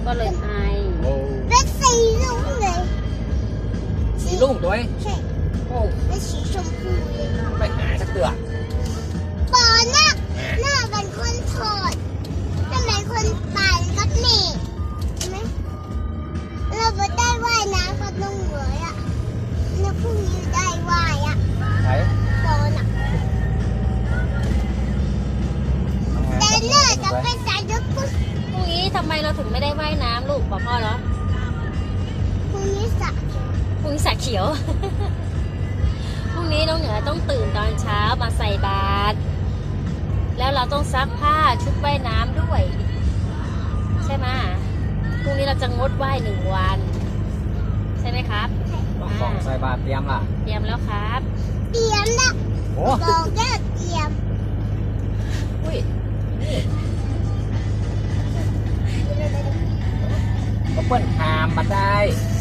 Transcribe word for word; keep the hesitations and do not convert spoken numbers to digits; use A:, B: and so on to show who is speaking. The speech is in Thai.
A: ก็เลยไอ
B: โอ้
C: เป็นสีลุงเลย
B: สีลุ่งตัวเอง
C: ใช่
B: โอ้
C: เป็นสีชมพูเลย
B: ไม่หายสักเตือ
C: ปอน่ะหน้าเป็นคนถอดถ้าเป็นคนปั่นก็หนีเห็นไหมเราไม่ได้ว่ายน้ำกับน้องเหวยอ่ะแล้วพรุ่งนี้ได้ว่ายอ่ะ
B: ไหน
C: ปอน่ะแต่เลือดจะเป็นสายยุทธพุทธ
A: พรุ่งนี้ทำไมเราถึงไม่ได้ว่ายน้ำลูกบอกพ่อเหรอ
C: พรุ่งนี้สระ
A: พรุ่งนี้สักเขียว พรุ่งนี้น้องเหนือต้องตื่นตอนเช้ามาใส่บาตรแล้วเราต้องซักผ้าชุดว่ายน้ำด้วย ใช่ไหมพรุ่งนี้เราจะงดว่ายหนึ่งวัน ใช่ไหมครับ
B: กล่องใส่บาตรเตรียมล่ะ
A: เตรียมแล้วครับ
C: เตรียมนะ
B: โอ้
C: บอกแค่เตรียม
A: อุ้ย
B: ก็เปิ้ลหามมาได้